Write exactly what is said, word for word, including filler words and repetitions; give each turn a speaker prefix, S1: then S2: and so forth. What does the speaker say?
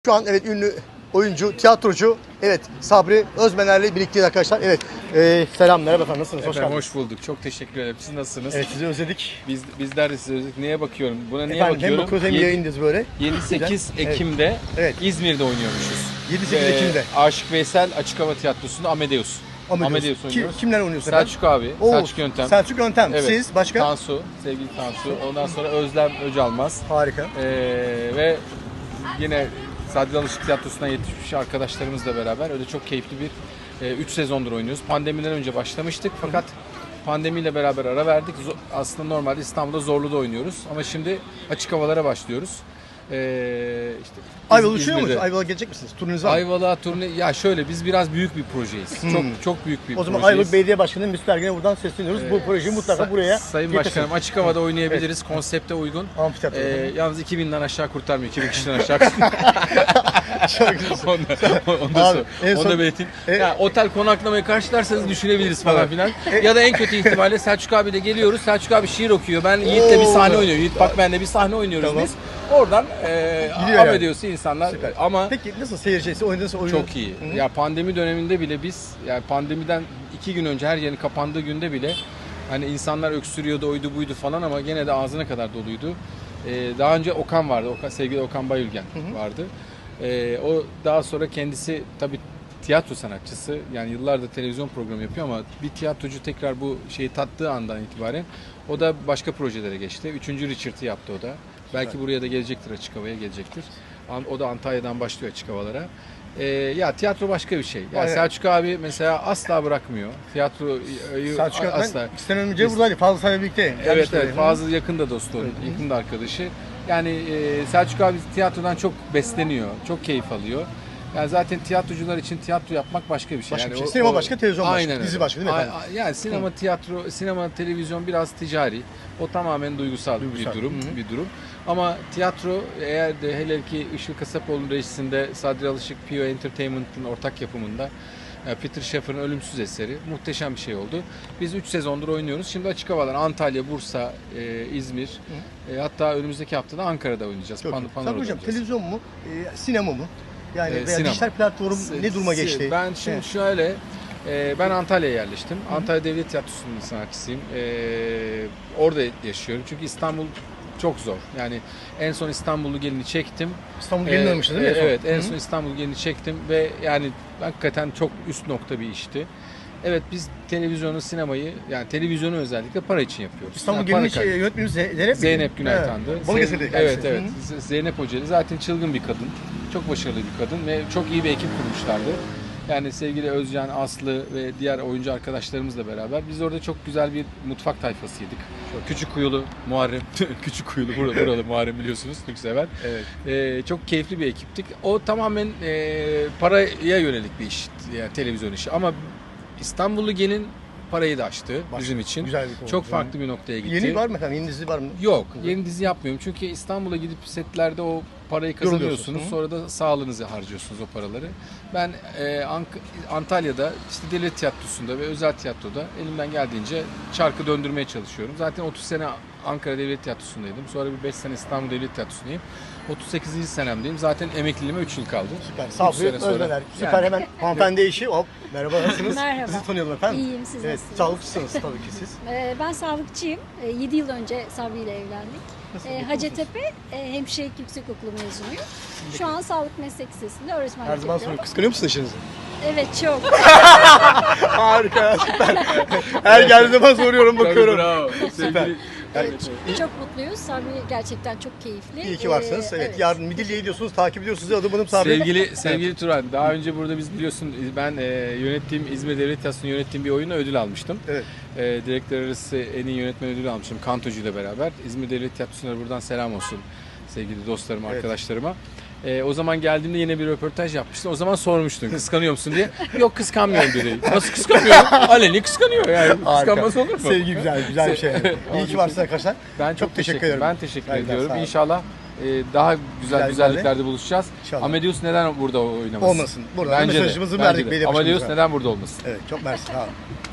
S1: Şu an evet ünlü oyuncu, tiyatrocu, evet Sabri Özmener'le birlikteyiz arkadaşlar. Evet, e, selam, merhaba efendim, nasılsınız? Hoş
S2: Efendim
S1: geldiniz.
S2: hoş bulduk. Çok teşekkür ederim. Siz nasılsınız?
S1: Evet, sizi özledik.
S2: Biz bizler de sizi özledik. Neye bakıyorum? Buna niye
S1: Efendim,
S2: bakıyorum?
S1: hem bakıyoruz hem yayındayız böyle.
S2: yedi sekiz
S1: Evet.
S2: Ekim'de
S1: Evet.
S2: İzmir'de oynuyormuşuz.
S1: yedi sekiz
S2: Ee,
S1: Ekim'de.
S2: Aşık Veysel Açık Hava Tiyatrosu'nda Amadeus.
S1: Amadeus.
S2: Amadeus
S1: Kim,
S2: oynuyoruz.
S1: kimler oynuyorsun efendim?
S2: Selçuk abi,
S1: Oo,
S2: Selçuk Yöntem.
S1: Selçuk Yöntem.
S2: Evet.
S1: Siz, başka?
S2: Tansu, sevgili Tansu. Ondan sonra Özlem Öcalmaz.
S1: Harika.
S2: Ee, ve yine Sadri Alışık Tiyatrosu'ndan yetişmiş arkadaşlarımızla beraber öyle çok keyifli bir üç e, sezondur oynuyoruz. Pandemiden önce başlamıştık fakat pandemiyle beraber ara verdik. Aslında normalde İstanbul'da Zorlu'da oynuyoruz ama şimdi açık havalara başlıyoruz. Ee, işte
S1: Ayvalık'ı düşünüyor
S2: İzmir'de.
S1: musunuz? Ayvalık'a gelecek misiniz? Turunuz var mı?
S2: Ayvalık'a turne ya şöyle biz biraz büyük bir projeyiz.
S1: Hmm.
S2: Çok çok büyük bir
S1: O zaman
S2: projeyiz.
S1: Ayvalık Belediye Başkanı Mesut Ergen'e buradan sesleniyoruz. Bu projeyi mutlaka
S2: Sa-
S1: buraya
S2: Sayın
S1: getirsin.
S2: Başkanım açık havada oynayabiliriz. Konsepte uygun.
S1: Amfiteyatro.
S2: Ee, yalnız iki binden aşağı kurtarmıyor. iki bin kişiden aşağı kurtarmıyor.
S1: Çok güzel.
S2: onu da, onu da,
S1: Abi,
S2: sor-
S1: en
S2: onu
S1: son-
S2: da belirteyim.
S1: E-
S2: Ya, otel konaklamayı karşılarsanız düşünebiliriz falan
S1: Evet.
S2: filan. Ya da en kötü ihtimalle Selçuk abiyle geliyoruz. Selçuk abi şiir okuyor. Ben Yiğit'le bir
S1: Oo.
S2: sahne oynuyor. Yiğit bak ben de bir sahne oynuyoruz
S1: Tamam.
S2: biz. Oradan e,
S1: Gidiyor yani.
S2: Amadeus'u insanlar
S1: Süper.
S2: ama
S1: Peki nasıl seyircisi, oynadığınız oyun?
S2: çok iyi.
S1: Hı-hı.
S2: Ya pandemi döneminde bile biz yani pandemiden iki gün önce her yerin kapandığı günde bile hani insanlar öksürüyordu, oydu buydu falan ama gene de ağzına kadar doluydu. Ee, daha önce Okan vardı. Okan, sevgili Okan Bayülgen
S1: Hı hı.
S2: vardı. Ee, o daha sonra kendisi tabii tiyatro sanatçısı. Yani yıllardır televizyon programı yapıyor ama bir tiyatrocu tekrar bu şeyi tattığı andan itibaren o da başka projelere geçti. Üçüncü Richard'ı yaptı o da. Belki buraya da gelecektir, açık havaya gelecektir. O da Antalya'dan başlıyor açık havalara. Ee, ya tiyatro başka bir şey. Yani
S1: Aynen.
S2: Selçuk abi mesela asla bırakmıyor. Tiyatroyu
S1: Selçuk Yöntem
S2: asla.
S1: iki sene önce
S2: Biz-
S1: buradaydı. Fazla sayıyla birlikte.
S2: Evet
S1: gelmişti
S2: evet
S1: oraya.
S2: Fazıl yakın da dostu onun,
S1: Evet.
S2: yakın da arkadaşı. Yani e, Selçuk abi tiyatrodan çok besleniyor, çok keyif alıyor. Yani zaten tiyatrocular için tiyatro yapmak başka bir şey.
S1: Başka
S2: yani
S1: bir şey.
S2: o-
S1: Sinema
S2: o-
S1: başka, televizyon başka,
S2: Aynen
S1: dizi
S2: öyle.
S1: başka değil mi efendim?
S2: A- a- Yani sinema, tiyatro, sinema, televizyon biraz ticari. O tamamen duygusal,
S1: Duygusal.
S2: bir durum,
S1: Hı hı.
S2: bir durum. Ama tiyatro eğer de hele ki Işıl Kasapoğlu'nun rejisinde Sadri Alışık P O Entertainment'ın ortak yapımında e, Peter Shaffer'ın ölümsüz eseri muhteşem bir şey oldu. Biz üç sezondur oynuyoruz. Şimdi açık havalar Antalya, Bursa, e, İzmir, e, hatta önümüzdeki haftada Ankara'da oynayacağız.
S1: Çok
S2: Pan-
S1: iyi.
S2: Panora'da
S1: Sabri Hocam,
S2: oynayacağız.
S1: televizyon mu, e, sinema mı? Yani
S2: Ee,
S1: veya
S2: sinema.
S1: dijital platform ne duruma
S2: Si-
S1: geçti?
S2: Ben şimdi
S1: Evet.
S2: şöyle, e, ben Antalya'ya yerleştim. Antalya Devlet Tiyatrosu'nun sanatçısıyım. E, orada yaşıyorum çünkü İstanbul çok zor. Yani en son İstanbullu gelini çektim.
S1: İstanbul
S2: Ee,
S1: gelin oynamıştı değil mi?
S2: e,
S1: en son?
S2: Evet, en
S1: Hı.
S2: son İstanbul gelini çektim ve yani hakikaten çok üst nokta bir işti. Evet biz televizyonu, sinemayı yani televizyonu özellikle para için yapıyoruz.
S1: İstanbul
S2: Yani
S1: gelin
S2: para
S1: şey,
S2: kaybı.
S1: yönetmenimiz Ze- Zeynep mi?
S2: Zeynep Günay
S1: Evet.
S2: Tan'dı.
S1: Balıkesir'de
S2: Zeyn-
S1: kendisi.
S2: Evet evet.
S1: Hı.
S2: Z- Zeynep Hoca'ydı. Zaten çılgın bir kadın. Çok başarılı bir kadın ve çok iyi bir ekip kurmuşlardı. Yani sevgili Özcan, Aslı ve diğer oyuncu arkadaşlarımızla beraber biz orada çok güzel bir mutfak tayfasıydık. Küçük Kuyulu Muharrem, Küçük Kuyulu burada buralı Muharrem biliyorsunuz Türk sever.
S1: Evet.
S2: Ee, çok keyifli bir ekiptik. O tamamen e, paraya yönelik bir iş, yani televizyon işi. Ama İstanbullu Gelin parayı da aştı
S1: Başka,
S2: bizim için.
S1: güzel bir konu.
S2: Çok farklı bir noktaya gitti.
S1: Yeni var mı efendim? Yeni dizi var mı?
S2: Yok, yeni dizi yapmıyorum. Çünkü İstanbul'a gidip setlerde o parayı kazanıyorsunuz.
S1: Yoruluyorsun.
S2: Sonra da sağlığınızı harcıyorsunuz o paraları. Ben e, Ank- Antalya'da işte devlet tiyatrosunda ve özel tiyatroda elimden geldiğince çarkı döndürmeye çalışıyorum. Zaten otuz sene Ankara Devlet Tiyatrosu'ndaydım. Sonra bir beş sene İstanbul Devlet Tiyatrosu'ndayım. otuz sekizinci senemdeyim. Zaten emekliliğime üç yıl kaldı.
S1: Süper.
S2: Üç
S1: Sabri
S2: sene sonra.
S1: Özmener. Süper,
S2: Yani-
S1: hemen hanımefendi eşi. Hop. Merhaba, nasılsınız?
S3: Merhaba.
S1: Sizi tanıyalım efendim.
S3: İyiyim, siz
S1: Evet,
S3: nasılsınız?
S1: sağlıkçısınız tabii ki siz.
S3: Ee, ben sağlıkçıyım. yedi yıl önce Sabri ile evlendik.
S1: Nasıl,
S3: Ee,
S1: mutlu
S3: Hacettepe e, Hemşirelik Yüksekokulu mezunuyum. Şu an Sağlık Meslek Lisesi'nde öğretmenlik
S1: Her zaman
S3: yapıyorum.
S1: soruyorum. Kıskanıyor musun eşinizi?
S3: Evet, çok.
S1: Harika, süper. Her geldiği zaman soruyorum, bakıyorum.
S2: Tabii, bravo.
S1: Süper.
S2: Sevgili-
S1: Yani,
S3: Çok mutluyuz. Sabri gerçekten çok keyifli.
S1: iyi ki varsınız.
S3: Ee,
S1: Evet, yarın Midilli'ye gidiyorsunuz, takip ediyorsunuz. Adım adım Sabri.
S2: Sevgili sevgili Turan, daha önce burada biz biliyorsun ben e, yönettiğim İzmir Devlet Tiyatrosu'nun yönettiğim bir oyuna ödül almıştım.
S1: Evet.
S2: E, direktör arası en iyi yönetmen ödülü almıştım Kantocu ile beraber. İzmir Devlet Tiyatrosu'na buradan selam olsun sevgili dostlarıma,
S1: Evet.
S2: arkadaşlarıma. E, o zaman geldiğimde yine bir röportaj yapmıştın. O zaman sormuştun kıskanıyor musun diye. Yok kıskanmıyorum dedi. Nasıl kıskanıyorum? Aleni kıskanıyor yani. Kıskanmaz olur mu?
S1: Sevgi güzel, güzel bir şey. İyi ki varsınız arkadaşlar.
S2: Ben çok, teşekkür ederim. Ben teşekkür
S1: Saygılar, sağ
S2: ediyorum.
S1: olun.
S2: İnşallah e, daha güzel
S1: Güzel
S2: güzelliklerde buluşacağız.
S1: İnşallah.
S2: Amadeus neden burada oynamasın?
S1: Olmasın. Buradan
S2: Bence de,
S1: mesajımızı
S2: bence
S1: verdik
S2: de.
S1: belediye
S2: Amadeus
S1: başkanımıza.
S2: neden burada olmasın?
S1: Evet, çok mersi. Sağ olun.